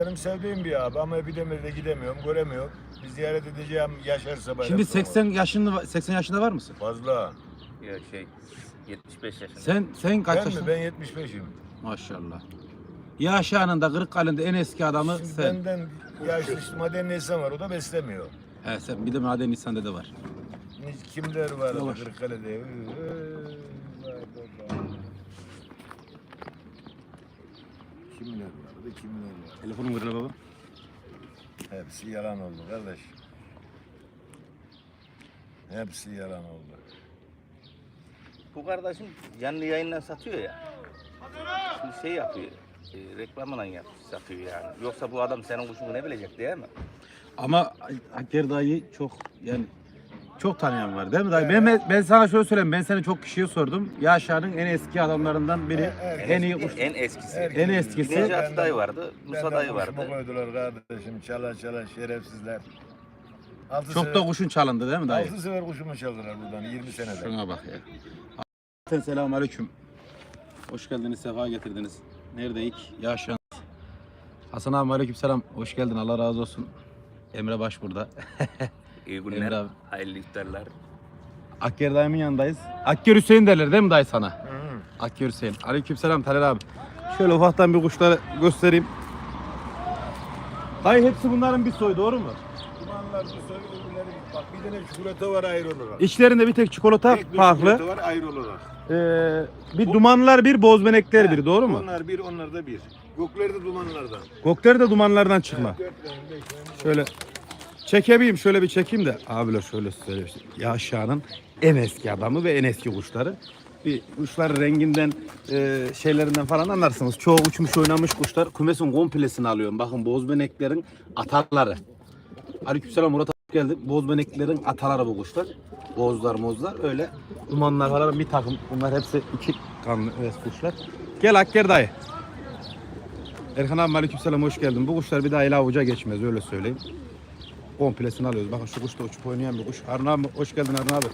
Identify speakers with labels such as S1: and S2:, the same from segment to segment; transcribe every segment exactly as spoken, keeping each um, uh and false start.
S1: Benim sevdiğim bir abi ama Epidemir'de gidemiyorum, göremiyorum. Bir ziyaret edeceğim yaşarsa bayram.
S2: Şimdi seksen yaşında seksen yaşında var mısın?
S1: Fazla.
S3: Ya şey yetmiş beş yaşında.
S2: Sen sen kaç
S1: Ben mi?
S2: yaşında?
S1: Ben yetmiş beşim.
S2: Maşallah. Yaş anında Kırıkkale'de en eski adamı
S1: Şimdi
S2: sen.
S1: benden yaşlı işte maden insan var, o da beslemiyor.
S2: He sen bir de maden insanda da var.
S1: Kimler var
S2: Yavaş.
S1: Kırıkkale'de? Ee, vay baba. Kimler vardı, kimler var?
S2: Telefonum kırıldı baba.
S1: Hepsi yalan oldu kardeş. Hepsi yalan oldu.
S3: Bu kardeşim canlı yayından satıyor ya. Şimdi şey yapıyor. E, reklamla yap, satıyor yani. Yoksa bu adam senin kuşunu ne bilecek değil mi?
S2: Ama Hakkari dayı çok yani çok tanıyan var değil mi dayı? Ben, ben sana şöyle söyleyeyim, ben seni çok kişiye sordum. Yaşar'ın en eski adamlarından biri,
S1: Evet,
S2: en iyi
S3: eski-
S2: kuş.
S3: En eskisi.
S2: En eskisi.
S3: Necati dayı vardı, Musa
S1: Benden
S3: dayı vardı.
S1: kuşumu koydular kardeşim. Çala çala şerefsizler. Altı
S2: Çok
S1: sefer,
S2: da kuşun çalındı değil mi dayı?
S1: altı sefer kuşumu çaldılar buradan yirmi senede.
S2: Şuna bak ya. Selamun aleyküm. Hoş geldiniz, sefa getirdiniz. Neredeyik? Yaşan. Hasan abi aleyküm selam. Hoş geldin, Allah razı olsun. Emre Baş burada.
S3: İyi
S2: Emre
S3: günler,
S2: abi.
S3: hayırlı iftarlar.
S2: Akker dayımın yanındayız. Akker Hüseyin derler değil mi dayı sana?
S1: Hı hı.
S2: Akker Hüseyin. Aleyküm selam Taner abi. Şöyle ufaktan bir kuşları göstereyim. Dayı hepsi bunların bir soyu, doğru mu?
S1: Dumanlar bu soy öbürleri git. Bak bir tane çikolata var ayrı olarak.
S2: İçlerinde bir tek çikolata
S1: Tek bir
S2: farklı.
S1: çikolata var ayrı olarak.
S2: Ee, bir dumanlar bir, bozbenekler bir, doğru mu?
S1: Onlar bir, onlar da bir. Gökleri de dumanlardan.
S2: Gökleri de dumanlardan çıkma.
S1: Dört tane, beş tane.
S2: Şöyle çekebileyim, şöyle bir çekeyim de abiler şöyle söyleyeyim. Yaşar'ın en eski adamı ve en eski kuşları. Bir kuşların renginden, e, şeylerinden falan anlarsınız. Çoğu uçmuş oynamış kuşlar. Kümesin komplesini alıyorum. Bakın bozbeneklerin atarları. Aleykümselam Murat abi geldi. Bozbeneklerin ataları bu kuşlar. Bozlar mozlar öyle. Dumanlar falan bir takım. Bunlar hepsi iki kanlı evet, kuşlar. Gel Akker dayı. Erkan abi aleykümselam hoş geldin. Bu kuşlar bir daha el avuca geçmez öyle söyleyeyim. Komplesini alıyoruz. Bakın şu kuş da uçup oynayan bir kuş. Harun abi hoş geldin Harun abi.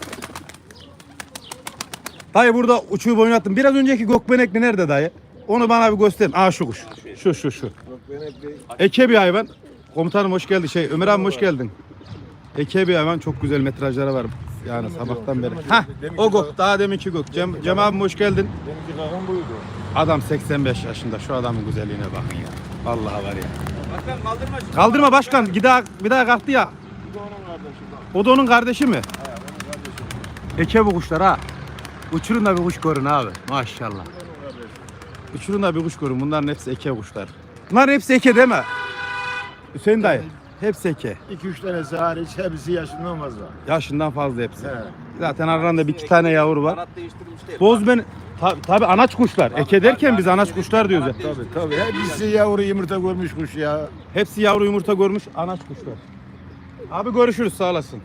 S2: Dayı burada uçup oynattım. Biraz önceki gökbenekli nerede dayı? Onu bana bir gösterin. Aa şu kuş. Şu şu şu.
S1: Gökbenekli.
S2: Eke bir hayvan. Komutanım hoş geldin. Şey Ömer abi hoş geldin. Eke bir hayvan. Çok güzel metrajları var. Yani sabahtan beri. Hah o gök. Daha deminki gök. Cem, Cem abim hoş geldin.
S1: Benimki kakam buydu.
S2: Adam seksen beş yaşında. Şu adamın güzelliğine bakın ya. Vallahi var ya.
S3: Başkan kaldırma şimdi.
S2: Kaldırma başkan. Bir daha, bir daha kalktı ya.
S1: Bu da onun kardeşi bak.
S2: O da onun kardeşi mi?
S1: He, onun kardeşi.
S2: Eke bu kuşlar ha. Uçurun da bir kuş görün abi. Maşallah.
S1: Bu da onun kardeşi.
S2: Uçurun da bir kuş görün. Bunların hepsi eke kuşlar. Bunların hepsi eke değil mi? Hüseyin dayı. Hepsi eke.
S1: İki üç tanesi hariç hepsi yaşından fazla.
S2: Yaşından fazla hepsi.
S1: He.
S2: Zaten aralarında bir iki tane yavru var.
S3: Kanat değiştirmiş değil.
S2: Boz ben tabi tabi anaç kuşlar. Eke derken biz anaç kuşlar diyoruz. ya.
S1: Tabii tabii. Hepsi yavru yumurta görmüş kuş ya.
S2: Hepsi yavru yumurta görmüş anaç kuşlar. Abi görüşürüz sağ olasın.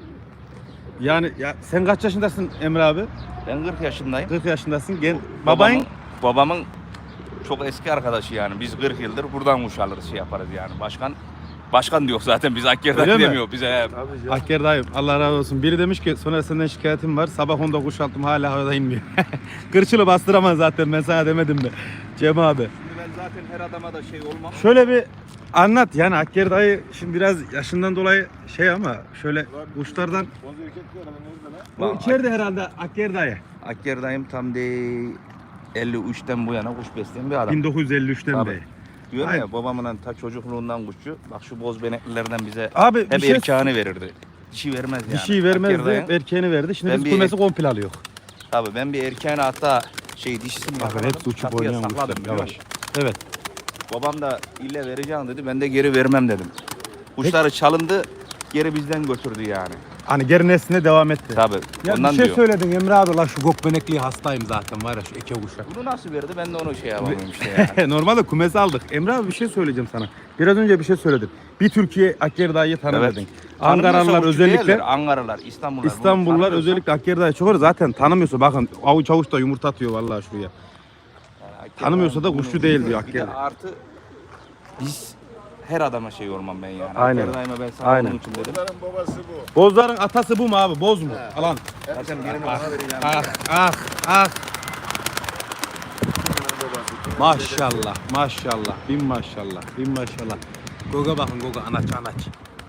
S2: Yani ya sen kaç yaşındasın Emre abi?
S3: Ben kırk yaşındayım.
S2: kırk yaşındasın. Gen
S3: Babamın,
S2: babayın
S3: babamın çok eski arkadaşı yani. Biz kırk yıldır buradan kuş alırız şey yaparız yani. Başkan Başkan diyor zaten biz Akker'den
S2: Öyle mi?
S3: demiyor bize.
S1: Tabii canım.
S2: Akker dayım Allah razı olsun. Biri demiş ki sonra senden şikayetim var. Sabah onda kuş attım hala havada inmiyor. Kırçılı bastıramaz zaten ben sana demedim mi? Cem abi.
S3: Şimdi ben zaten her adama da şey olmam.
S2: Şöyle bir anlat yani Akker dayı şimdi biraz yaşından dolayı şey ama şöyle kuşlardan
S1: Boz erkek var ama nerede lan?
S2: o içeride herhalde Akker dayı.
S3: Akker dayım tam de elli üçten bu yana kuş besleyen bir adam.
S2: bin dokuz yüz elli üçten
S3: Tabii.
S2: beri.
S3: Diyorum
S2: Aynen.
S3: ya babamın ta çocukluğundan kuşçu. Bak şu boz beneklilerden bize
S2: Abi bir
S3: hep
S2: şey
S3: erkeğini verirdi. Dişi vermez yani.
S2: dişiyi vermezdi,
S3: Akker dayım-
S2: erkeğini verdi. Şimdi
S3: Ben
S2: biz
S3: bir-
S2: kümesi komple alıyor.
S3: Tabii ben bir erkeğini hatta şey dişisini
S2: Bakın
S3: yakaladım,
S2: hepsi uçup
S3: kapıya
S2: oynayan
S3: sakladım,
S2: kuşlar.
S3: biliyor
S2: Yavaş.
S3: musun?
S2: Evet.
S3: Babam da ille vereceğim dedi. Ben de geri vermem dedim. Kuşları çalındı, geri bizden götürdü yani.
S2: Hani geri nesline devam etti.
S3: Tabii.
S2: Ya
S3: ondan
S2: bir şey
S3: diyor.
S2: söyledin Emre abi la şu gökbenekliği hastayım zaten var ya şu eke kuşa.
S3: Bunu nasıl verdi? Ben de onu şey yapamıyorum işte yani.
S2: Normalde kumesi aldık. Emre abi bir şey söyleyeceğim sana. Biraz önce bir şey söyledin. Bir Türkiye Akker dayıyı tanır
S3: Evet.
S2: dedin. Ankaralılar
S3: Tanımıyorsa kuşçu
S2: özellikle
S3: değiller, Ankaralılar, İstanbullular. bunu
S2: İstanbullular
S3: tanımıyorsa-
S2: özellikle Akker dayı çok var. Zaten tanımıyorsa bakın avuç avuç da yumurta atıyor vallahi şuraya.
S3: Yani Akker
S2: Tanımıyorsa da
S3: dayım
S2: kuşçu
S3: bunu-
S2: değil diyor
S3: Bir de
S2: Akker.
S3: artı biz her adama şey olmam ben yani.
S2: Aynen.
S3: Akker dayıma ben sana
S2: Aynen.
S3: onun için dedim.
S1: Bozların babası bu.
S2: Bozların atası bu mu abi? Boz mu?
S1: He.
S2: Alan.
S3: Zaten birini bana vereceğim.
S2: Ah ah ah.
S1: Bunların babası.
S2: Maşallah, maşallah, bin maşallah, bin maşallah. Goga bakın, Goga anaç anaç.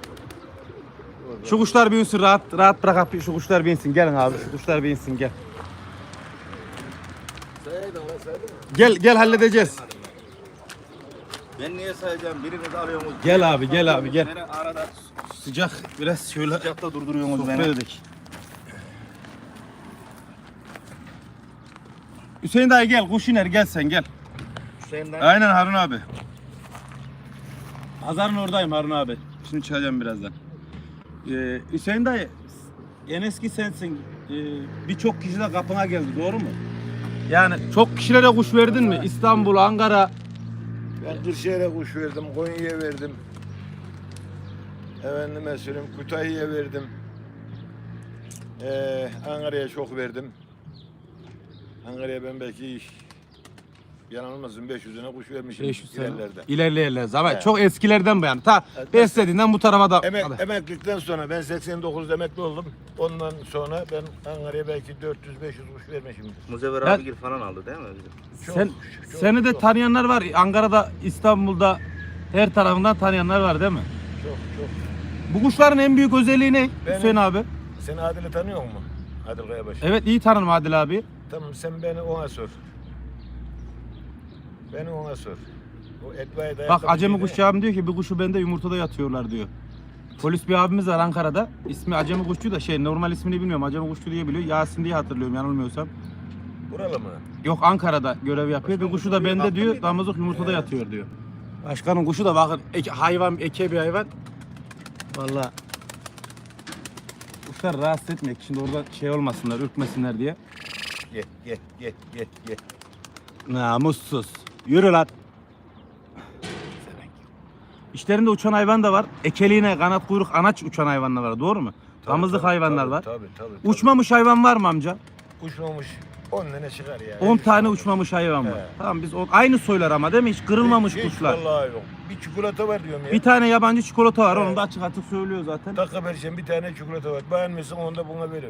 S2: Şu kuşlar binsin, rahat rahat bırak abi, şu kuşlar binsin. Gelin abi, şu kuşlar binsin, gel. Gel, gel halledeceğiz.
S3: Ben niye sayacağım? Birini de alıyorsunuz.
S2: Gel abi, gel abi, gel.
S3: Beni arada
S2: Sıcak, biraz şöyle
S3: sıcakta durduruyorsunuz
S2: sohbet
S3: beni.
S2: edelim. Hüseyin dayı gel, kuş iner, gel sen gel.
S3: Hüseyin'den
S2: Aynen Harun abi. Pazarın oradayım Harun abi. Şimdi çıkacağım birazdan. Ee, Hüseyin dayı, en eski sensin. Ee, Birçok kişi de kapına geldi, doğru mu? Yani çok kişilere kuş verdin mi? İstanbul, Ankara.
S1: Ben Kırşehir'e kuş verdim, Konya'ya verdim. Efendime söyleyeyim, Kütahya'ya verdim. Ee, Ankara'ya çok verdim. Ankara'ya ben belki yanılmasın beş yüzüne kuş vermişim
S2: beş yüz sene.
S1: ilerlerde.
S2: İlerleyerler ama
S1: Evet.
S2: çok eskilerden bu yani. Ta
S1: Evet.
S2: beslediğinden bu tarafa da.
S1: Emek,
S2: Hadi.
S1: emeklilikten sonra ben seksen dokuzda emekli oldum. Ondan sonra ben Ankara'ya belki dört yüz beş yüz kuş vermişimdir.
S3: Muzevver
S2: Ben-
S3: abigil falan aldı değil mi? Bizim?
S1: Çok,
S2: Sen
S1: çok,
S2: seni de
S1: çok,
S2: tanıyanlar var. Ankara'da, İstanbul'da her tarafından tanıyanlar var değil mi?
S1: çok çok.
S2: Bu kuşların en büyük özelliği ne
S1: Benim-
S2: Hüseyin abi?
S1: Sen Adil'i tanıyor musun? Adil Kayabaşı.
S2: Evet, iyi tanırım Adil abi.
S1: Tamam, sen beni ona sor. Beni ona sor. O Etva'ya dayak
S2: Bak
S1: tabii
S2: Acemi
S1: değil
S2: Kuşçu
S1: mi?
S2: abim diyor ki bir kuşu bende yumurtada yatıyorlar diyor. Polis bir abimiz var Ankara'da. İsmi Acemi Kuşçu da şey normal ismini bilmiyorum. Acemi Kuşçu diye biliyor. Yasin diye hatırlıyorum yanılmıyorsam.
S1: Buralı mı?
S2: Yok Ankara'da görev yapıyor. Bir kuşu da bende diyor. Damızlık yumurtada yatıyor diyor. Başkanın kuşu da bakın eke- hayvan eke bir hayvan. Vallahi kuşlar rahatsız etmek. Şimdi orada şey olmasınlar, ürkmesinler diye.
S1: Ye ye ye ye ye.
S2: Namussuz. Yürü lan. İşlerinde uçan hayvan da var. Ekeliğine kanat kuyruk anaç uçan hayvanlar var. Doğru mu? Damızlık
S1: Tabii,
S2: hayvanlar
S1: tabii,
S2: var.
S1: Tabii tabii. tabii.
S2: Uçmamış hayvan var mı amca?
S1: Uçmamış on tane çıkar ya.
S2: on
S1: Hiç
S2: tane
S1: uçmamış.
S2: uçmamış hayvan var.
S1: He.
S2: Tamam biz o, aynı soylar ama değil mi? Hiç kırılmamış
S1: Hiç- hiç
S2: kuşlar.
S1: Vallahi yok. Bir çikolata var diyorum ya.
S2: Bir tane yabancı çikolata var.
S1: Evet.
S2: Onu da açık açık söylüyor zaten.
S1: Dakika vereceğim bir tane çikolata var. Beğenmişsin onu da buna verir.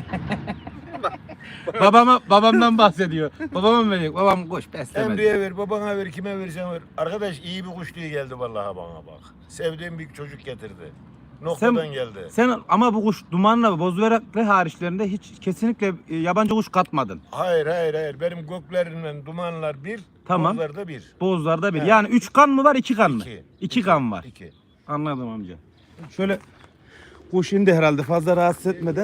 S2: Babama babamdan bahsediyor. Babama mı verecek? Babam kuş beslemedi.
S1: Emre'ye ver, babana ver, kime verirsen ver. Arkadaş iyi bir kuş diye geldi vallahi bana bak. Sevdiğim bir çocuk getirdi. Noktadan
S2: Sen-
S1: geldi.
S2: Sen ama bu kuş dumanla bozveraklı hariçlerinde hiç kesinlikle e, yabancı kuş katmadın.
S1: Hayır hayır hayır. Benim göklerimden dumanlar bir,
S2: Tamam.
S1: bozlarda bir.
S2: Bozlarda bir.
S1: Evet.
S2: Yani üç kan mı var, iki kan mı?
S1: İki.
S2: İki kan var.
S1: İki.
S2: Anladım amca. Şöyle kuş indi herhalde fazla rahatsız etmeden.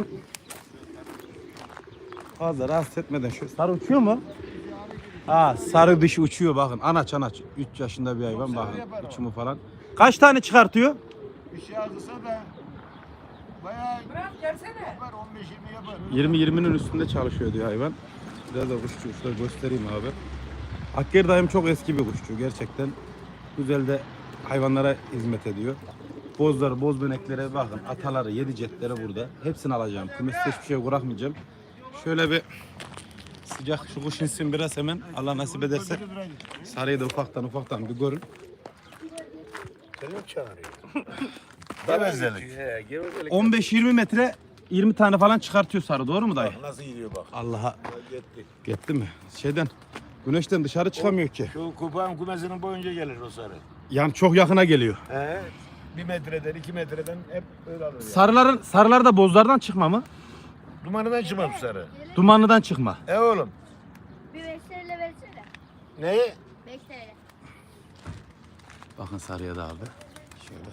S2: Fazla rahatsız etmeden. Şöyle sarı uçuyor mu? Ha sarı dişi uçuyor bakın. Anaç anaç. üç yaşında bir hayvan bakın. Uçumu falan. Kaç tane çıkartıyor?
S1: Bir şey yazılsa da bayağı yapar, on beş yirmi yapar.
S2: yirmi yirminin üstünde çalışıyor diyor hayvan. Biraz da kuşçu kuşları göstereyim abi. Hakkari dayım çok eski bir kuşçu. Gerçekten güzel de hayvanlara hizmet ediyor. Bozlar, boz böneklere bakın. Ataları, yedi cetleri burada. Hepsini alacağım. Kümeste hiçbir şey bırakmayacağım. Şöyle bir sıcak şu kuş insin biraz hemen. Allah nasip ederse. Sarıyı da ufaktan ufaktan bir görün.
S1: Seni mi çağırıyor? Gevezelik.
S3: He, gevezelik.
S2: on beş yirmi metre yirmi tane falan çıkartıyor sarı. Doğru mu dayı?
S1: Bak nasıl gidiyor bak.
S2: Allah'a
S1: Gitti.
S2: gitti mi? Şeyden güneşten dışarı çıkamıyor ki.
S1: Şu kupağın kumesinin boyunca gelir o sarı.
S2: Yani çok yakına geliyor.
S1: He. Bir metreden, iki metreden hep öyle alır. Yani.
S2: Sarıların sarılar da bozlardan çıkma mı?
S1: Dumanından çıkmaz bu sarı.
S2: Dumanlıdan çıkma.
S1: E oğlum.
S4: Bir beş T L versene.
S1: Neyi?
S4: beş T L.
S2: Bakın sarıya da abi. Şöyle.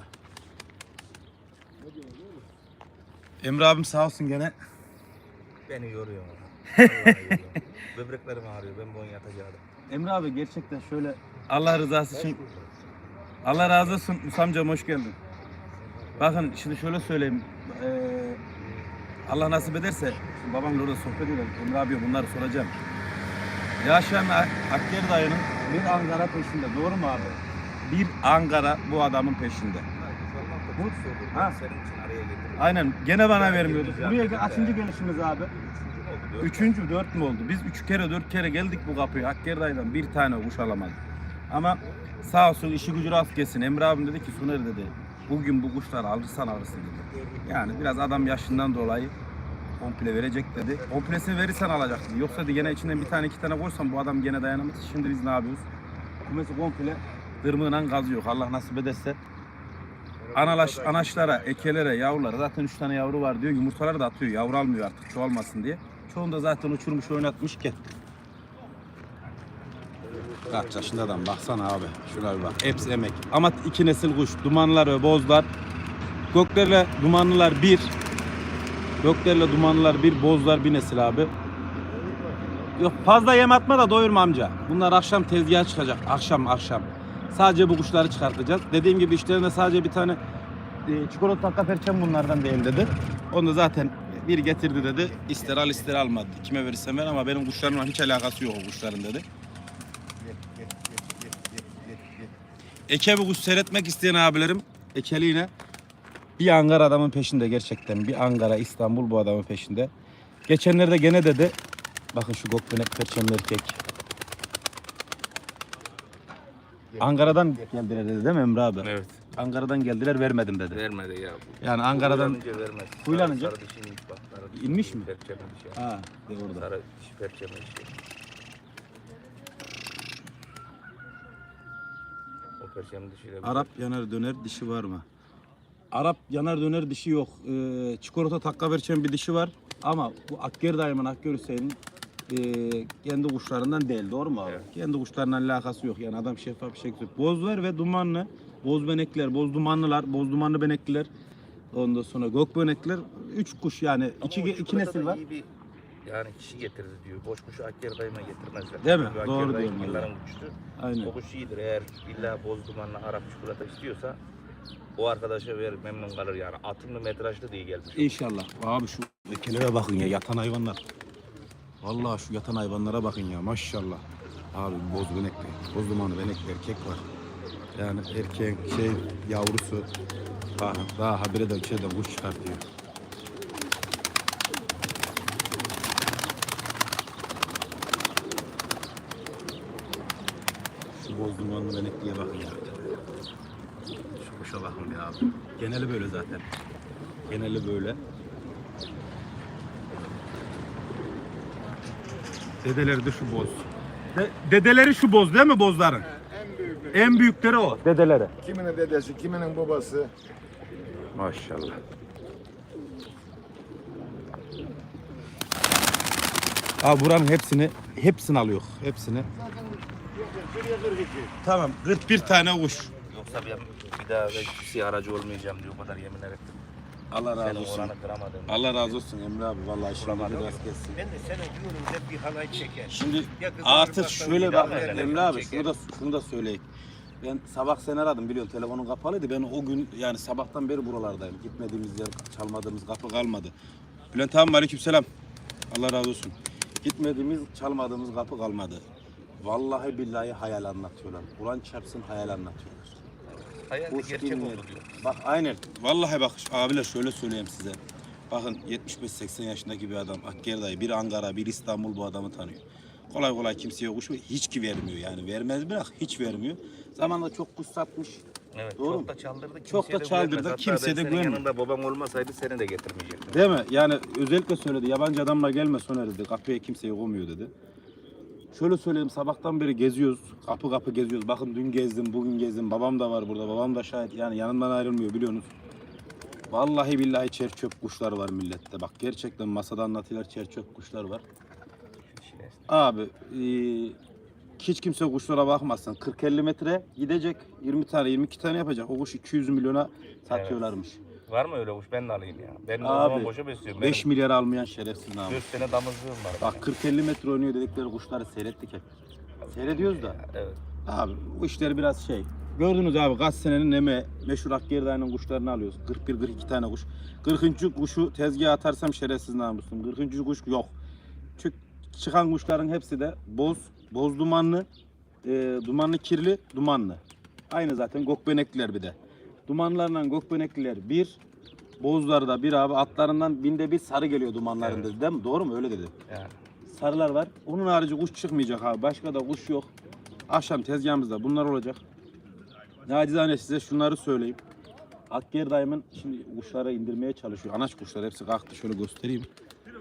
S2: Emre abim sağ olsun gene.
S3: Beni yoruyor. Vallahi yoruyor. Böbreklerim ağrıyor. Ben bunu yatacaktım.
S2: Emre abi gerçekten şöyle Allah rızası için Allah razı olsun Musa amcam hoş geldin. Bakın şimdi şöyle söyleyeyim. Ee, Allah nasip ederse şimdi babamla orada sohbet edelim. Emre abi bunları soracağım. Yaşayan Hakkari dayının bir Ankara peşinde. Doğru mu abi? Bir Ankara bu adamın peşinde.
S3: Bu
S2: Ha.
S3: senin için araya girdim.
S2: Aynen gene bana vermiyordu. Buraya gel- kaçıncı gelişimiz abi?
S3: Oldu,
S2: Üçüncü, dört mü oldu? Biz üç kere, dört kere geldik bu kapıya. Hakkari dayıdan bir tane kuş alamadık. Ama sağ olsun işi gücü rast gelsin. Emre abim dedi ki Soner dedi, bugün bu kuşları alırsan alırsın dedi. Yani biraz adam yaşından dolayı Komple verecek dedi. Komplesini verirsen alacaksın. Yoksa dedi gene içinden bir tane iki tane koysan bu adam gene dayanamaz. Şimdi biz ne yapıyoruz? Kumesi komple dırmığıyla kazıyor. Allah nasip ederse. Analaş, anaçlara, ekelere, yavrulara zaten üç tane yavru var diyor. Yumurtaları da atıyor. Yavru almıyor artık çoğalmasın diye. Çoğunu da zaten uçurmuş oynatmış ki. Kaç yaşında adam baksana abi. Şuna bir bak. Hepsi emek. Ama iki nesil kuş. Dumanlar ve bozlar. Göklerle dumanlılar bir. Göklerle dumanlılar bir. Bozlar bir nesil abi. Yok fazla yem atma da doyurma amca. Bunlar akşam tezgaha çıkacak. Akşam akşam. Sadece bu kuşları çıkartacağız. Dediğim gibi işlerinde sadece bir tane e, çikolata takka perçem bunlardan değil dedi. Onu da zaten bir getirdi dedi. İster al ister almadı. Kime verirsen ver ama benim kuşlarımla hiç alakası yok o kuşların dedi. Eke bu kuş seyretmek isteyen abilerim ekeliğine bir Ankara adamın peşinde gerçekten. Bir Ankara, İstanbul bu adamın peşinde. Geçenlerde gene dedi. Bakın şu gokbenek perçemli erkek. Ankara'dan geldiler dedi değil mi Emre abi?
S3: Evet.
S2: Ankara'dan geldiler vermedim dedi.
S3: Vermedi ya.
S2: Yani Ankara'dan
S3: Huylanınca vermez.
S2: Huylanınca?
S3: Sarı, sarı dişi inmiş bak. Sarı dişi
S2: İnmiş mi?
S3: Perçemli dişi.
S2: ha de orada.
S3: Sarı dişi perçemli dişi. O perçemli dişiyle bir-
S2: Arap yanar döner dişi var mı? Arap yanar döner dişi yok. Ee, çikolata takka perçem bir dişi var. Ama bu Akgeri dayımın Akgeri Hüseyin'in e, kendi kuşlarından değil doğru mu abi?
S3: Evet.
S2: Kendi kuşlarından alakası yok yani adam şeffaf bir şekilde. Bozlar ve dumanlı, boz benekler, boz dumanlılar, boz dumanlı benekliler. Ondan sonra gök benekliler. Üç kuş yani
S3: Ama
S2: iki,
S3: o
S2: iki
S3: çikolata
S2: nesil
S3: da
S2: var.
S3: iyi bir yani kişi getirdi diyor. Boş kuşu Akkeri dayıma getirmezler.
S2: Değil mi?
S3: Çünkü
S2: Doğru
S3: Akkeri dayı
S2: diyorsun
S3: yılların kuşu.
S2: Aynen.
S3: O kuş iyidir. Eğer illa boz dumanlı Arap çikolata istiyorsa o arkadaşa ver memnun kalır yani. Atımlı metrajlı diye gelmiş.
S2: İnşallah. Abi şu ekelere bakın ya yatan hayvanlar. Vallahi şu yatan hayvanlara bakın ya maşallah. Abi boz benekli, boz dumanlı benekli erkek var. Yani erkeğin şey yavrusu daha, daha habire de içeride kuş çıkartıyor. Şu boz dumanlı benekliye bakın ya. Şu kuşa bakın ya abi. Geneli böyle zaten. Geneli böyle. Dedeleri de şu boz. De- dedeleri şu boz değil mi bozların?
S1: En büyük.
S2: En büyükleri o. Dedeleri.
S1: Kiminin dedesi, kiminin babası.
S2: Maşallah. Abi buranın hepsini hepsini alıyor. Hepsini. Tamam. kırk bir tane kuş.
S3: Yoksa ben bir daha belki aracı olmayacağım diyor. O kadar yemin ederim.
S2: Allah razı
S3: Senin
S2: olsun.
S3: oranı kıramadım.
S2: Allah razı olsun Emre abi. Vallahi işin gücü rast gelsin.
S5: Ben de sana diyorum hep bir halay çeker.
S2: Şimdi
S5: Ya kızım,
S2: artık
S5: bak,
S2: şöyle
S5: bak,
S2: bak
S5: bak,
S2: Emre
S5: bak,
S2: abi
S5: çeker.
S2: şunu da şunu da söyleyeyim. Ben sabah seni aradım biliyorsun telefonun kapalıydı. Ben o gün yani sabahtan beri buralardayım. Gitmediğimiz yer, çalmadığımız kapı kalmadı. Bülent abi aleykümselam. Allah razı olsun. Gitmediğimiz, çalmadığımız kapı kalmadı. Vallahi billahi hayal anlatıyorlar. Kur'an çarpsın hayal anlatıyorlar.
S3: Hayalde
S2: Hoş
S3: gerçek
S2: dinleyin.
S3: oldu diyor.
S2: Bak aynen. Vallahi bak abiler şöyle söyleyeyim size. Bakın yetmiş beş seksen yaşındaki bir adam Akkeri dayı. Bir Ankara, bir İstanbul bu adamı tanıyor. Kolay kolay kimseye kuş hiç ki vermiyor yani. Vermez bırak hiç vermiyor. Zamanında çok kuş satmış.
S3: Evet,
S2: Doğru
S3: çok
S2: mu?
S3: da çaldırdı.
S2: Çok
S3: kimseye
S2: da
S3: de
S2: çaldırdı,
S3: güvenmez. Hatta
S2: kimseye
S3: ben
S2: de
S3: senin
S2: güvenmiyor.
S3: yanında babam olmasaydı seni de getirmeyecektim.
S2: Değil mi? Yani özellikle söyledi. Yabancı adamla gelme Soner dedi. Kapıya kimseye koymuyor dedi. Şöyle söyleyeyim sabahtan beri geziyoruz. Kapı kapı geziyoruz. Bakın dün gezdim, bugün gezdim. Babam da var burada. Babam da şahit. Yani yanından ayrılmıyor biliyorsunuz. Vallahi billahi çer çöp kuşlar var millette. Bak gerçekten masada anlatıyorlar çer çöp kuşlar var. Abi eee, hiç kimse kuşlara bakmasın. kırk elli metre gidecek. yirmi tane yirmi iki tane yapacak. O kuş iki yüz milyona satıyorlarmış.
S3: Var mı öyle kuş? Ben de alayım ya. Ben de o
S2: Abi,
S3: zaman boşa besliyorum.
S2: beş milyar almayan şerefsiz namus.
S3: dört sene damızlığım var.
S2: Bak kırk elli metre oynuyor dedikleri kuşları seyrettik hep. Seyrediyoruz da.
S3: Evet.
S2: Abi bu işleri biraz şey. Gördünüz abi kaç senenin emeği meşhur Akkeri dayının kuşlarını alıyoruz. kırk bir kırk iki tane kuş. kırkıncı kuşu tezgaha atarsam şerefsiz namusum. kırkıncı kuş yok. Çünkü çıkan kuşların hepsi de boz, boz dumanlı, e, dumanlı kirli, dumanlı. Aynı zaten gökbenekliler bir de. Dumanlarla gökbenekliler bir, bozlar da bir abi atlarından binde bir sarı geliyor dumanların
S3: Evet.
S2: dedi değil mi? Doğru mu? Öyle dedi.
S3: Yani.
S2: Sarılar var. Onun harici kuş çıkmayacak abi. Başka da kuş yok. Akşam tezgahımızda bunlar olacak. Nacizane size şunları söyleyeyim. Akkeri dayımın şimdi kuşlara indirmeye çalışıyor. Anaç kuşlar hepsi kalktı. Şöyle göstereyim.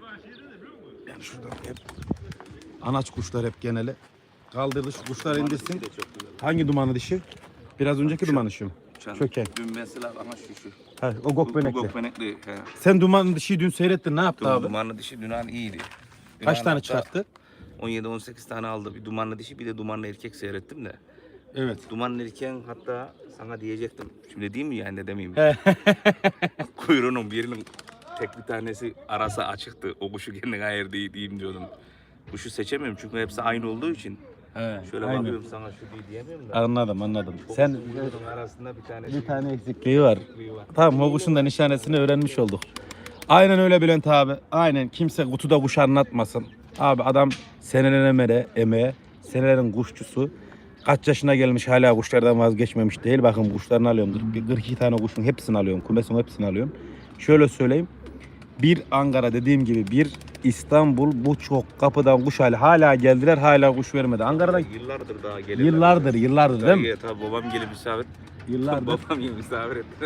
S2: Şuradan hep anaç kuşlar hep geneli. Kaldırdı şu kuşlar indirsin.
S3: De çok güzel.
S2: Hangi dumanı dişi? Biraz önceki duman dişi mi?
S3: Uçan.
S2: Çöken.
S3: Dün mesela ama şu şu.
S2: Ha, o gok benekli.
S3: Gokbenekli. He.
S2: Sen duman dişiyi dün seyrettin, ne yaptı
S3: Dün
S2: abi?
S3: dumanlı dişi Dünan iyiydi.
S2: Kaç
S3: Dünan
S2: tane
S3: hatta
S2: çıkarttı?
S3: on yedi on sekiz tane aldı. Bir dumanlı dişi bir de dumanlı erkek seyrettim de.
S2: Evet.
S3: Dumanlı erkeğin hatta sana diyecektim. Şimdi diyeyim mi yani de demeyeyim mi?
S2: He.
S3: Kuyruğunun birinin tek bir tanesi arası açıktı. O kuşu kendine hayır değil diyeyim diyordum. Kuşu seçemiyorum çünkü hepsi aynı olduğu için.
S2: He,
S3: Şöyle
S2: aynen.
S3: bakıyorum sana şu değil diyemiyorum da.
S2: Anladım anladım.
S3: Çok
S2: Sen
S3: kuyruğunun arasında bir tane
S2: bir tane eksikliği var.
S3: eksikliği var.
S2: Tamam, o kuşun da nişanesini öğrenmiş olduk. Aynen öyle Bülent abi. Aynen, kimse kutuda kuş anlatmasın. Abi adam senelerin emeğe, emeğe, senelerin kuşçusu. Kaç yaşına gelmiş hala kuşlardan vazgeçmemiş değil. Bakın kuşlarını alıyorum. Bir kırk iki tane kuşun hepsini alıyorum. Kumesin hepsini alıyorum. Şöyle söyleyeyim. Bir Ankara dediğim gibi, bir İstanbul, bu çok kapıdan kuş hali. Hala geldiler, hala kuş vermedi. Ankara'dan
S3: Yıllardır daha gelirler.
S2: yıllardır, yıllardır değil mi?
S3: Tabii, tabii babam gelip misafir.
S2: Yıllardır.
S3: Babam gelip misafir ettiler.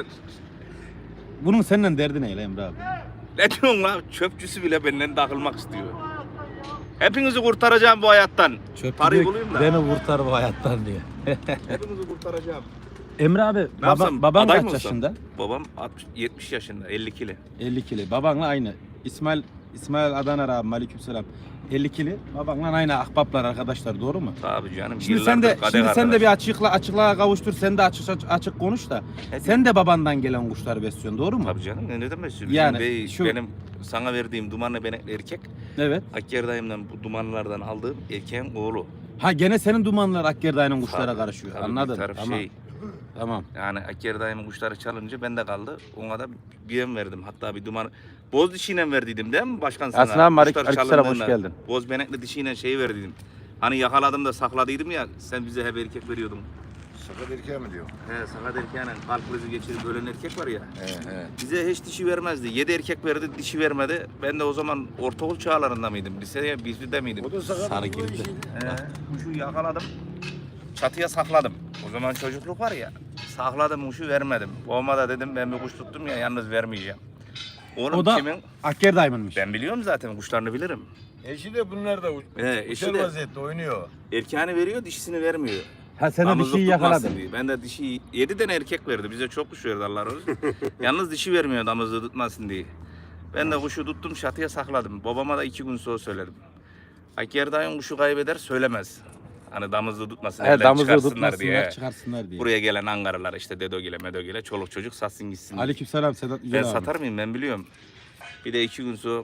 S2: Bunun seninle derdi ne Emre abi?
S3: Ne diyorsun lan? Çöpçüsü bile benden takılmak istiyor. Hepinizi kurtaracağım bu hayattan.
S2: Çöpçü
S3: Parayı
S2: diyor ki,
S3: bulayım da.
S2: beni kurtar bu hayattan diye.
S3: Hepinizi kurtaracağım.
S2: Emre abi,
S3: Ne
S2: baba,
S3: yapsam,
S2: baban
S3: aday
S2: kaç
S3: mı olsam?
S2: yaşında?
S3: Babam altmış, yetmiş yaşında, elli kilo.
S2: elli kilo. Babanla aynı. İsmail İsmail Adaner abi, aleykümselam. elli kilo. Babanla aynı ahbaplar, arkadaşlar, doğru mu?
S3: Tabii canım.
S2: Şimdi sen de
S3: yıllardır kadeh
S2: şimdi sen de
S3: arkadaş.
S2: bir açıkla açıklığa kavuştur. Sen de açık açık, açık konuş da.
S3: Ne
S2: Sen de babandan gelen kuşları besliyorsun, doğru mu?
S3: Tabii canım. Ne, ne demek istiyorsun?
S2: Yani
S3: Bizim bey,
S2: şu-
S3: benim sana verdiğim dumanlı benekli erkek,
S2: Evet.
S3: Akker dayımdan bu dumanlardan aldığım erkeğin oğlu.
S2: Ha, gene senin dumanlar Akkerdayı'nın kuşlara
S3: Tabii,
S2: karışıyor.
S3: tabii,
S2: Anladım.
S3: bir taraf
S2: Tamam.
S3: şey.
S2: Tamam.
S3: Yani Akker dayımın kuşları çalınca bende kaldı. Ona da bir yem verdim. Hatta bir duman boz dişiyle verdiydim değil mi başkan sana?
S2: Aslan abi,
S3: Kuşlar
S2: aleykümselam, hoş
S3: çalındığında
S2: geldin.
S3: Boz benekli dişiyle şeyi verdiydim. Hani yakaladım da sakladıydım ya, sen bize hep erkek veriyordun.
S1: Sakat erkeğe mi diyor?
S3: He, sakat erkeğine kalp krizi geçirip ölen erkek var ya.
S1: He he.
S3: Bize hiç dişi vermezdi. Yedi erkek verdi, dişi vermedi. Ben de o zaman ortaokul çağlarında mıydım? Liseye, bizde miydim?
S1: O da sakat.
S2: Sarı
S1: olduğu
S2: girdi.
S1: için.
S3: He, kuşu yakaladım. Çatıya sakladım. O zaman çocukluk var ya. Sakladım, kuşu vermedim. Babama da dedim ben bir kuş tuttum ya, yalnız vermeyeceğim. Oğlum
S2: O da
S3: kimin?
S2: Akkerday'mış.
S3: Ben biliyorum zaten, kuşlarını bilirim.
S1: Eşi de bunlar da uç-
S3: He, eşi
S1: uçar
S3: de
S1: vaziyette oynuyor.
S3: erkeğini veriyor, dişisini vermiyor.
S2: Ha, sen de
S3: Damızlık
S2: dişiyi
S3: tutmasın
S2: yakaladın.
S3: diye. Ben de dişi yedi tane erkek verdi. Bize çok kuş verdi Allah razı olsun. Yalnız dişi vermiyor damızlığı tutmasın diye. Ben de kuşu tuttum, çatıya sakladım. Babama da iki gün sonra söyledim. Akker dayın kuşu kaybeder söylemez. Hani damızlığı tutmasın,
S2: He,
S3: elden
S2: damızlığı
S3: çıkarsınlar
S2: tutmasınlar,
S3: diye.
S2: çıkarsınlar diye.
S3: Buraya gelen Ankaralılar işte Dedogile, Medogile, çoluk çocuk satsın gitsin diye.
S2: Aleykümselam Sedat Yücel
S3: Ben
S2: abi.
S3: satar mıyım ben biliyorum. Bir de iki gün sonra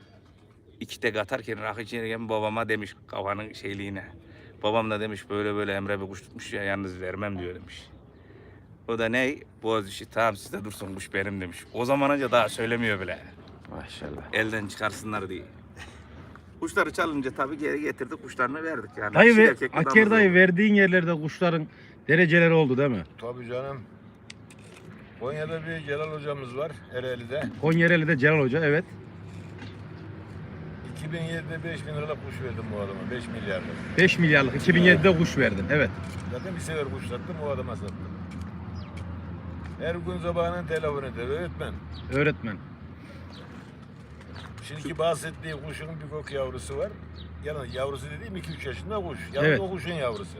S3: iki tek atarken rakı içerken babama demiş kafanın şeyliğine. Babam da demiş böyle böyle Emre bir kuş tutmuş ya, yalnız vermem diyor demiş. O da ne? Boğaz işi. Tamam sizde dursun, kuş benim demiş. O zaman önce daha söylemiyor bile.
S2: Maşallah.
S3: Elden çıkarsınlar diye. Kuşları çalınca tabii geri getirdik, kuşlarını verdik yani.
S2: Dayı
S3: Dişi
S2: ve
S3: erkekli
S2: Akker
S3: damızlı
S2: dayı
S3: oldu.
S2: verdiğin yerlerde kuşların dereceleri oldu değil mi?
S1: Tabii canım. Konya'da bir Celal hocamız var Ereğli'de.
S2: Konya'da Celal Hoca, evet.
S1: iki bin yedide beş bin liralık kuş verdim bu adama. beş milyarlık.
S2: beş milyarlık iki bin yedide kuş verdin, evet.
S1: Zaten bir sefer kuş sattım, o adama sattım. Her gün sabahının telefonu eder öğretmen.
S2: Öğretmen.
S1: Şimdiki bahsettiği kuşun bir gök yavrusu var. Yani yavrusu dediğim iki üç yaşında kuş. Yani
S2: Evet.
S1: o kuşun yavrusu.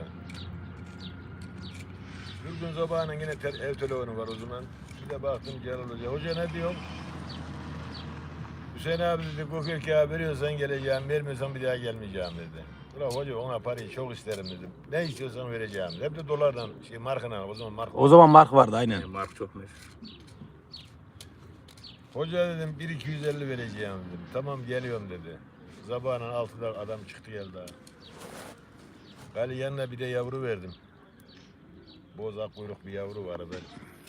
S1: Bir gün sabahının yine te- ev telefonu var o zaman. Bir de baktım Celal Hoca. Hoca ne diyor? Hüseyin abi dedi, gök erkeğe veriyorsan geleceğim, vermiyorsan bir daha gelmeyeceğim dedi. Ulan hoca ona parayı çok isterim dedim. Ne istiyorsan vereceğim dedi. Hep de dolardan, şey markına, o zaman marka.
S2: O zaman mark vardı aynen.
S3: Yani Mark çok meşhur.
S1: Hoca dedim bir iki yüz elli vereceğim dedim. Tamam geliyorum dedi. Sabahın altıda adam çıktı geldi ha. Gali yanına bir de yavru verdim. Bozak kuyruk bir yavru var böyle.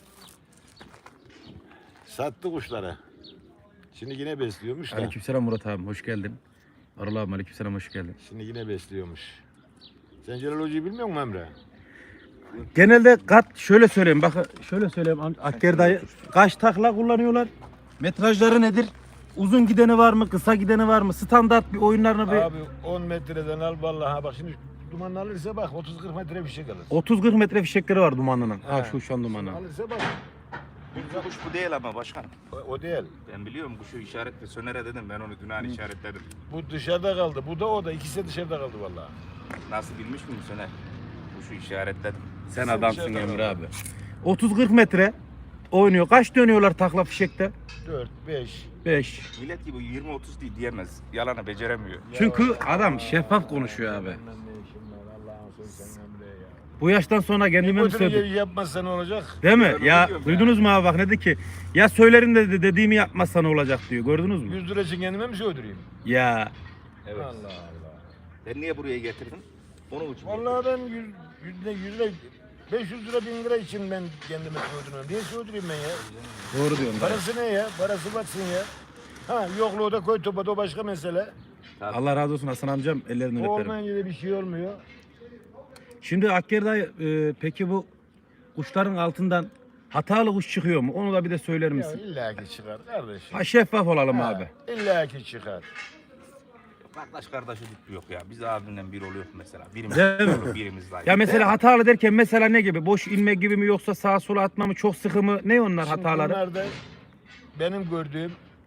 S1: Sattı kuşları. Şimdi yine besliyormuş da.
S2: Aleykümselam Murat abi, hoş geldin. Arıl abi, aleykümselam, hoş geldin.
S1: Şimdi yine besliyormuş. Sen Celal Hoca'yı bilmiyor musun Emre?
S2: Genelde kat şöyle söyleyeyim, bakın şöyle söyleyeyim Akker dayı, kaç takla kullanıyorlar? Metrajları nedir? Uzun gideni var mı, kısa gideni var mı? Standart bir oyunlarını bir
S1: Abi on metreden al vallahi bak şimdi dumanlı alırsa bak otuz kırk metre fişek alır.
S2: otuz kırk metre fişekleri var dumanlının. Ha
S1: He.
S2: şu şu an dumanlı.
S1: Alırsa bak
S3: Bu kuş bu değil ama başkanım.
S1: O, o değil.
S3: Ben biliyorum kuşu işaretle sönere dedim. Ben onu dün işaretledim.
S1: Bu dışarıda kaldı. Bu da o da. İkisi de dışarıda kaldı vallahi.
S3: Nasıl bilmiş miyim söner? Kuşu işaretledim.
S2: Sen
S1: Sen
S2: adamsın
S1: dışarıda
S2: Emre
S1: kal.
S2: abi. otuz kırk metre oynuyor. Kaç dönüyorlar takla fişekte?
S1: dört, beş.
S2: beş.
S3: Millet gibi yirmi otuz değil diyemez. Yalanı beceremiyor.
S2: Çünkü adam şeffaf konuşuyor abi.
S1: Bilmem ne işim var. Allah'ın sözü sen Emre ya.
S2: Bu yaştan sonra kendime mi
S1: Bu tür
S2: söyledim?
S1: yeri yapmazsa ne olacak?
S2: Değil mi?
S3: Ben
S2: Ya
S3: onu diyorum
S2: duydunuz mu abi bak ne dedi ki? Ya söylerim de dediğimi yapmazsa ne olacak diyor. Gördünüz mü?
S1: yüz lira için kendime mi söyleyeyim?
S2: Ya
S3: Evet.
S1: Allah Allah.
S3: Ben niye buraya getirdim? Onun için.
S1: Vallahi ben yüz, yüzde yüz lira, beş yüz lira, bin lira için ben kendime söylüyorum. Niye söyleyeyim ben ya?
S2: doğru diyorsun. dayı.
S1: Parası ne ya? Parası batsın ya. Ha yokluğu da koy topa da o başka mesele.
S2: Allah razı olsun Hasan amcam ellerinden
S1: O
S2: öperim.
S1: olmayınca da bir şey olmuyor.
S2: Şimdi Akker dayı e, peki bu kuşların altından hatalı kuş çıkıyor mu? Onu da bir de söyler
S1: Ya
S2: misin?
S1: illaki çıkar kardeşim.
S2: Ha, şeffaf olalım
S1: Ha,
S2: abi.
S1: illaki çıkar.
S3: Kardeş kardeşi yok ya. Biz abimle bir oluyor mesela. Birimiz
S2: Değil mi?
S3: olur, birimiz daha.
S2: Ya mesela hatalı derken mesela ne gibi? Boş inme gibi mi yoksa sağa sola atma mı? Çok sıkı mı? Ne onlar
S1: Şimdi
S2: hataları?
S1: bunlar da benim gördüğüm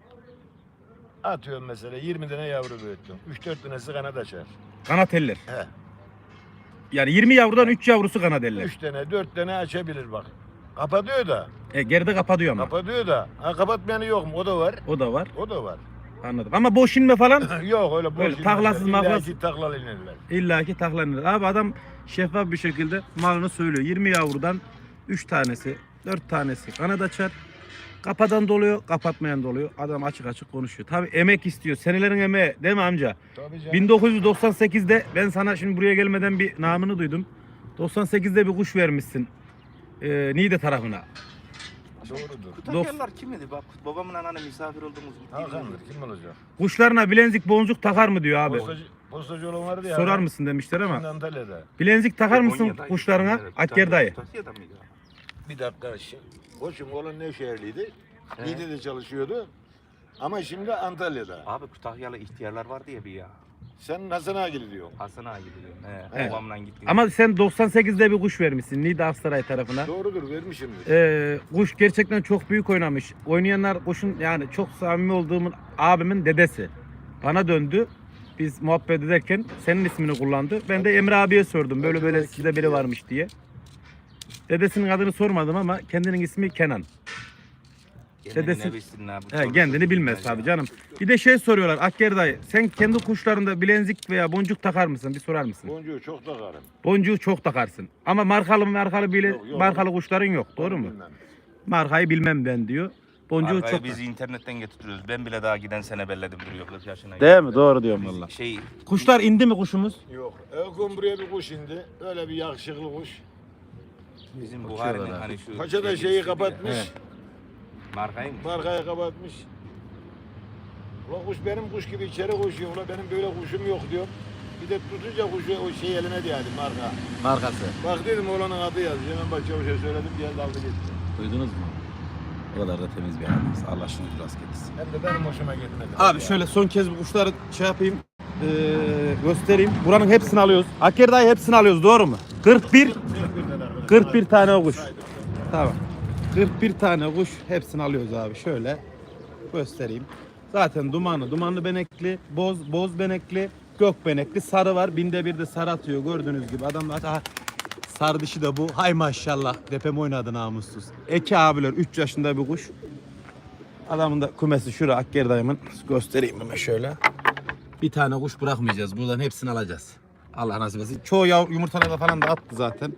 S1: atıyorum mesela yirmi tane yavru büyüttüm. üç dört tanesi kanat açar.
S2: Kanat eller.
S1: He.
S2: Yani yirmi yavrudan üç yavrusu kanat eller.
S1: üç tane dört tane açabilir bak. Kapatıyor da.
S2: E, geride kapatıyor ama.
S1: Kapatıyor da. Ha kapatmayanı yok mu? O da var.
S2: O da var.
S1: O da var.
S2: Anladım. Ama boş inme falan
S1: Yok öyle boş
S2: Öyle taklasız
S1: inmezler.
S2: maklasız.
S1: İlla ki taklalı inerler.
S2: illaki taklanır. Abi adam şeffaf bir şekilde malını söylüyor. yirmi yavrudan üç tanesi, dört tanesi kanat açar. Kapadan doluyor, kapatmayan doluyor. Adam açık açık konuşuyor. Tabii emek istiyor. Senelerin emeği değil mi amca?
S1: Tabii canım.
S2: bin dokuz yüz doksan sekizde ben sana şimdi buraya gelmeden bir namını duydum. doksan sekizde bir kuş vermişsin. Ee, Niğde tarafına.
S1: Doğrudur.
S3: Kutakyarlar kim idi? Bak babamın anneanne misafir olduğumuz
S1: Hakan'dır. Kim olacak?
S2: Kuşlarına bilezik boncuk takar mı diyor abi.
S1: Postacı, postacı olan vardı ya.
S2: Sorar mısın demişler
S1: Şimdi
S2: ama.
S1: Antalya'da.
S2: Bilezik takar mısın
S3: Konya'da,
S2: kuşlarına?
S3: İzmir'de,
S2: Akker dayı.
S3: Kutakya'da mıydı?
S1: Bir dakika. şi- Koçum oğlan Nevşehirliydi.
S3: He.
S1: Niğde'de çalışıyordu. Ama şimdi Antalya'da.
S3: Abi Kütahyalı ihtiyarlar vardı ya bir ya.
S1: Sen Hasan Agili diyorsun.
S3: Hasan ağa gidiyorum. He,
S2: Evet.
S3: babamla gittim.
S2: Ama sen doksan sekizde bir kuş vermişsin Niğde Aksaray tarafına.
S1: Doğrudur vermişimdir.
S2: Ee, kuş gerçekten çok büyük oynamış. Oynayanlar kuşun yani çok samimi olduğumun abimin dedesi. Bana döndü. Biz muhabbet ederken senin ismini kullandı. Ben de Emre abiye sordum. Böyle böyle sizde biri varmış diye. Dedesinin adını sormadım ama kendinin ismi Kenan.
S3: Kendini
S2: dedesi-
S3: ne bilsin abi,
S2: He,
S3: çoluk
S2: kendini
S3: çocuk
S2: bilmez
S3: bilmez
S2: tabii
S3: ya.
S2: canım. Bir de şey soruyorlar Akker dayı. Sen kendi kuşlarında bilezik veya boncuk takar mısın? Bir sorar mısın?
S1: Boncuğu çok takarım.
S2: Boncuğu çok takarsın. Ama markalı markalı bile
S1: Yok, yok.
S2: markalı kuşların yok. Doğru mu?
S1: Bilmem.
S2: Markayı bilmem ben diyor. Boncuğu
S3: Arkayı
S2: çok.
S3: biz internetten getiriyoruz. Ben bile daha giden sene belledim duruyor kırk yaşına.
S2: Değil mi? Doğru diyorum
S3: Biz
S2: valla.
S3: Şey
S2: Kuşlar indi mi kuşumuz?
S1: Yok. Elkon buraya bir kuş indi. Öyle bir yakışıklı kuş.
S3: bizim
S2: Bakıyorlar
S3: Buhari'nin
S2: abi.
S3: hani şu
S1: Paça da
S3: şey
S1: şeyi
S3: istedi ya.
S1: kapatmış.
S2: He.
S3: Markayı mı?
S1: Markayı kapatmış. Ulan kuş benim kuş gibi içeri koşuyor. Ulan benim böyle kuşum yok diyor. Bir de tutunca kuşu o şey eline değdi marka.
S2: Markası.
S1: Bak dedim oğlanın adı yazıyor. Hemen bak çavuşa söyledim geldi aldı gitti.
S2: Duydunuz mu? O kadar da temiz bir adamız. Allah şunu rast getirsin.
S1: Hem de benim hoşuma gitmedi.
S2: Abi şöyle son kez bu kuşları şey yapayım. Ee, göstereyim. Buranın hepsini alıyoruz. Akker dayı hepsini alıyoruz. Doğru mu? kırk bir kırk bir tane o kuş. Tamam. kırk bir tane kuş hepsini alıyoruz abi. Şöyle göstereyim. Zaten dumanlı, dumanlı benekli, boz, boz benekli, gök benekli, sarı var. Binde bir de sarı atıyor gördüğünüz gibi. Adamlar aha, sarı dişi de bu. Hay maşallah. Depem oynadı namussuz. Eki abiler üç yaşında bir kuş. Adamın da kumesi şura Akker dayımın. Göstereyim hemen şöyle. Bir tane kuş bırakmayacağız. Buradan hepsini alacağız. Allah nasip etsin. Çoğu yav yumurtalarda falan da attı zaten.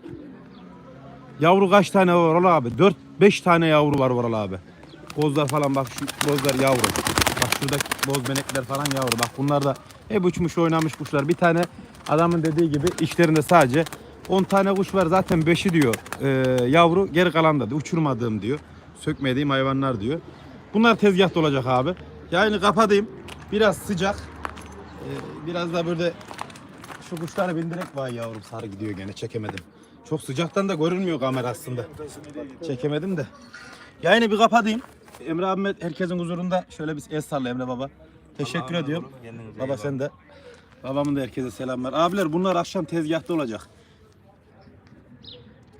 S2: Yavru kaç tane var Oral abi? dört beş tane yavru var Oral abi. Bozlar falan bak şu bozlar yavru. Bak şuradaki boz benekler falan yavru. Bak bunlar da hep uçmuş oynamış kuşlar. Bir tane adamın dediği gibi içlerinde sadece on tane kuş var. Zaten beşi diyor e, yavru. Geri kalan da uçurmadığım diyor. Sökmediğim hayvanlar diyor. Bunlar tezgahta olacak abi. Yayını kapatayım. Biraz sıcak. Ee, biraz da böyle şu kuşları bindirek var yavrum sarı gidiyor gene çekemedim. Çok sıcaktan da görünmüyor kamera aslında. Çekemedim de. Yayını bir kapatayım. Emre abime herkesin huzurunda şöyle bir el salla Emre baba. Teşekkür
S3: Allah'a
S2: ediyorum.
S3: emanet olun, kendinize iyi
S2: Baba
S3: bakın.
S2: sen de. Babamın da herkese selamlar. Abiler bunlar akşam tezgahta olacak.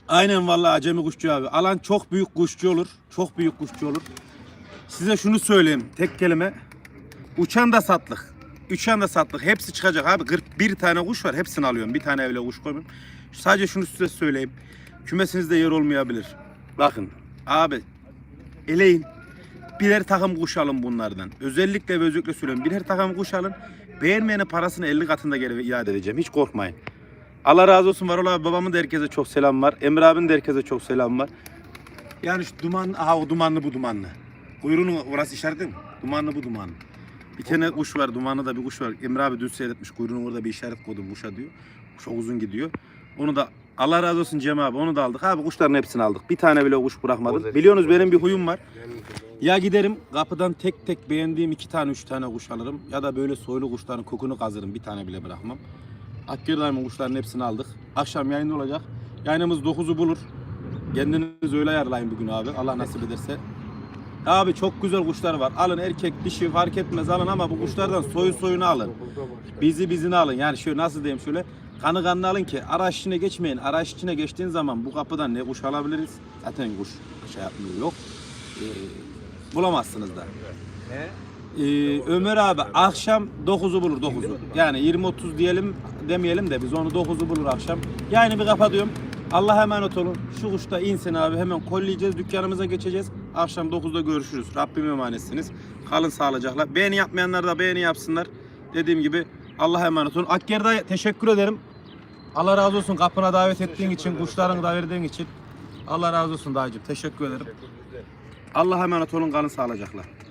S2: Aynen vallahi acemi kuşçu abi. Alan çok büyük kuşçu olur. Çok büyük kuşçu olur. Size şunu söyleyeyim tek kelime. Uçan da satlık. Uçan da satlık. Hepsi çıkacak abi. kırk bir tane kuş var. Hepsini alıyorum. Bir tane öyle kuş koymuyorum. Sadece şunu size söyleyeyim. Kümesinizde yer olmayabilir. Bakın abi eleyin. Birer takım kuş alın bunlardan. Özellikle ve özellikle söylüyorum. Birer takım kuş alın. Beğenmeyene parasını elli katında geri iade edeceğim. Hiç korkmayın. Allah razı olsun Varol abi. Babamın da herkese çok selam var. Emre abinin de herkese çok selam var. Yani şu duman, aha o dumanlı bu dumanlı. Kuyruğunun orası işareti mi? Dumanlı bu dumanlı. Bir tane kuş var, dumanlı da bir kuş var. Emre abi dün seyretmiş. Kuyruğunun orada bir işaret koydum kuşa diyor. Çok uzun gidiyor. Onu da Allah razı olsun Cem abi. Onu da aldık. Abi kuşların hepsini aldık. Bir tane bile kuş bırakmadım. Biliyorsunuz benim bir huyum var. Ya giderim kapıdan tek tek beğendiğim iki tane üç tane kuş alırım. Ya da böyle soylu kuşların kokunu kazırım. Bir tane bile bırakmam. Akgördayımın kuşların hepsini aldık. Akşam yayında olacak. Yayınımız dokuzu bulur. Kendiniz öyle ayarlayın bugün abi. Allah nasip ederse. Abi çok güzel kuşlar var. Alın erkek dişi fark etmez alın ama bu kuşlardan soyu soyunu alın. Bizi bizini alın. Yani şöyle nasıl diyeyim şöyle. Kanı kanını alın ki araç içine geçmeyin. Araç içine geçtiğin zaman bu kapıdan ne kuş alabiliriz? Zaten kuş şey yapmıyor yok. Ee, bulamazsınız da. Ee, Ömer abi akşam dokuzu bulur dokuzu. Yani yirmi otuz diyelim demeyelim de biz onu dokuzu bulur akşam. Yani bir kapatıyorum. Allah'a emanet olun. Şu kuş da insin abi. Hemen kolleyeceğiz. Dükkanımıza geçeceğiz. Akşam dokuzda görüşürüz. Rabbim emanetsiniz. Kalın sağlıcakla. Beğeni yapmayanlar da beğeni yapsınlar. Dediğim gibi Allah'a emanet olun. Akger'de teşekkür ederim. Allah razı olsun kapına davet ettiğin için, kuşlarını da verdiğin için. Allah razı olsun dayıcığım. Teşekkür ederim. Allah'a emanet olun. Kalın sağlıcakla.